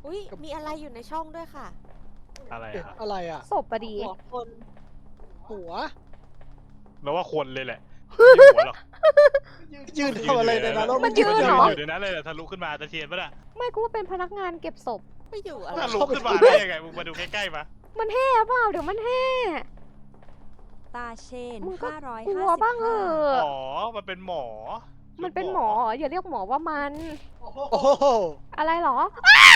อุ้ยมีอะไรอยู่ในช่องด้วยค่ะอะไรอะอะไรอ่ะศพอะดีหัวคนหัวแปลว่าคนเลยแหละไม่หัวหรอกยืนทำอะไรในนั้นแล้วมันยืนเหรออยู่ในนั้นเลยแหละทะลุขึ้นมาตะเทียนปะน่ะไม่กูว่าเป็นพนักงานเก็บศพไม่อยู่อะไรทะลุขึ้นมาได้ยังไงมึงมาดูใกล้ๆมามันแห่เปล่าเดี๋ยวมันแห่ตาเชนมึงก็ 555 กลัวบ้างเหอะอ๋อมันเป็นหมอมันเป็นหมออย่าเรียกหมอว่ามันโอ้โหอะไรหรอ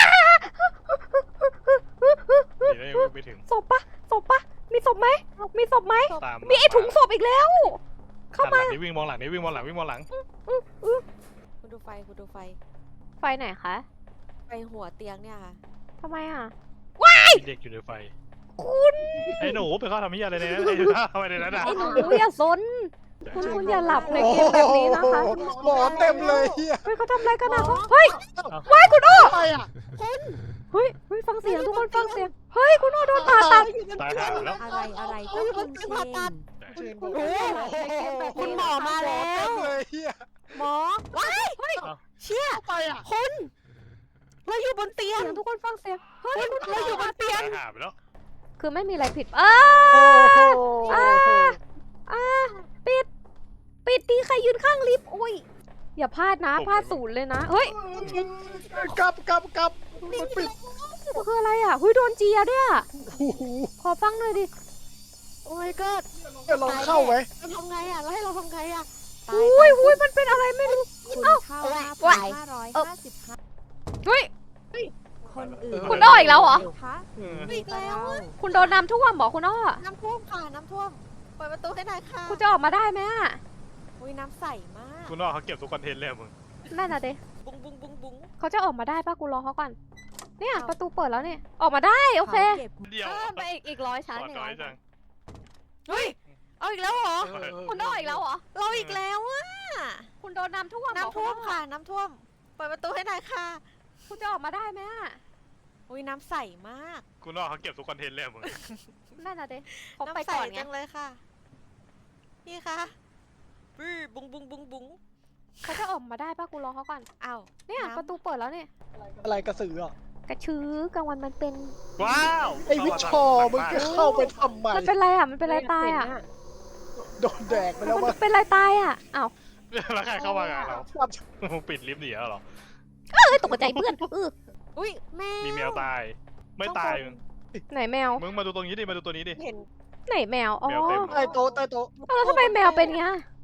ดีนะยังไม่ถึงศพปะศพปะมีศพไหมมีศพไหมตามมีไอถุงศพอีกแล้ว เข้ามาหันหลังนี่วิ่งมองหลังนี่วิ่งมองหลังวิ่งมองหลังคุณดูไฟคุณดูไฟไฟไหนคะไฟหัวเตียงเนี่ยค่ะทำไมอ่ะมีเด็กอยู่ในไฟคุณไอ้หนูไปเข้าทำมิยอะไรในนั้นไอ้เข้าไปในนั้นอ่ะไอหนูอย่าซนคุณอย่าหลับในเกมแบบนี้นะคะหมอเต็มเลยเฮียเฮ้ยเขาทำอะไรกันอ่ะเฮ้ยว้ายคุณโอ้อะไรอ่ะเฮ้ยฟังเสียงทุกคนฟังเสียงเฮ้ยคุณโอ้โดนผ่าตัดตายห่าแล้วอะไรก็คุณเชนคุณโอ้คุณหมอมาแล้วเต็มเลยเฮียหมอว้ายเฮ้ยเชี่ยไปอ่ะคุณเราอยู่บนเตียงเสียงทุกคนฟังเสียงเฮ้ยเราอยู่บนเตียงตายห่าไปแล้วคือไม่มีอะไรผิดปิดดีใครยืนข้างลิฟต์อุ้ยอย่าพลาดนะพลาดศูนย์เลยนะเฮ้ยกลับมันปิดมันคืออะไรอ่ะเฮ้ยโดนเจียด้วยอ่ะโอ้โหขอฟังหน่อยดิโอ้ my god เดี๋ยวเราเข้าไหมเราทำไงอ่ะแล้วให้เราทำไงอ่ะอุ้ยมันเป็นอะไรไม่รู้คุณเข้า 5,555 เฮ้ยคนอื่นคุณอ้ออีกแล้วเหรอคะอีกแล้วอะคุณโดนน้ำท่วมเหรอคุณอ้อน้ำท่วมค่ะน้ำท่วมเปิดประตูให้หน่อยค่ะคุณจะออกมาได้ไหมอ่ะอุ้ยน้ำใสมากคุณน้องเขาเก็บทุกคอนเทนต์เลยอะมึงนั่นน่ะเด้บุ้งบุ้งบุ้งบุ้งเขาจะออกมาได้ป่ะกูรอเขาก่อนเนี่ยประตูเปิดแล้วเนี่ยออกมาได้โอเคเก็บเดียวไปอีก100ชั้นก่อนน้อยจังเฮ้ยเอาอีกแล้วเหรอคุณอ้ออีกแล้วเหรอเราอีกแล้วอะคุณโดนน้ำท่วมน้ำท่วมค่ะน้ำท่วมเปิดประตูให้หน่อยค่ะคุณจะออกมาได้ไหมอ่ะอุ้ยน้ำใสมากคุณน้องเขาเก็บทุกคอนเทนต์เลยอะมึงนั่นน่ะเด้เขาไปน้ำใสก่อนไงจังเลยค่ะพี่คะบื้อบุ้งบุ้งบุ้งบุ้งเขาจะออกมาได้ป่ะกูรอเขาก่อนอ้าวเนี่ยน้ำประตูเปิดแล้วเนี่ยอะไรกระสืออ่ะกระชื้อกลางวันมันเป็นว้าวไอ้วิชอมึงจะเข้าไปทำไมมันเป็นไรอ่ะมันเป็นไรตายอ่ะโดนแดกไปแล้วมันวะเป็นไรตายอ่ะอ้าวแล้วใครเข้ามางานเราครับมึงปิดลิฟต์หนีแล้วเหรอเอ้ยตกใจเพื่อนอุ้ยแม่มีแมวตาย ไม่ตายมึงไหนแมวมึงมาดูตรงนี้ดิมาดูตัวนี้ดิเห็นไหนแมวอ๋อแมวเต็มใต้โต๊ะแล้วทำไมแมวเป็นเงี้ย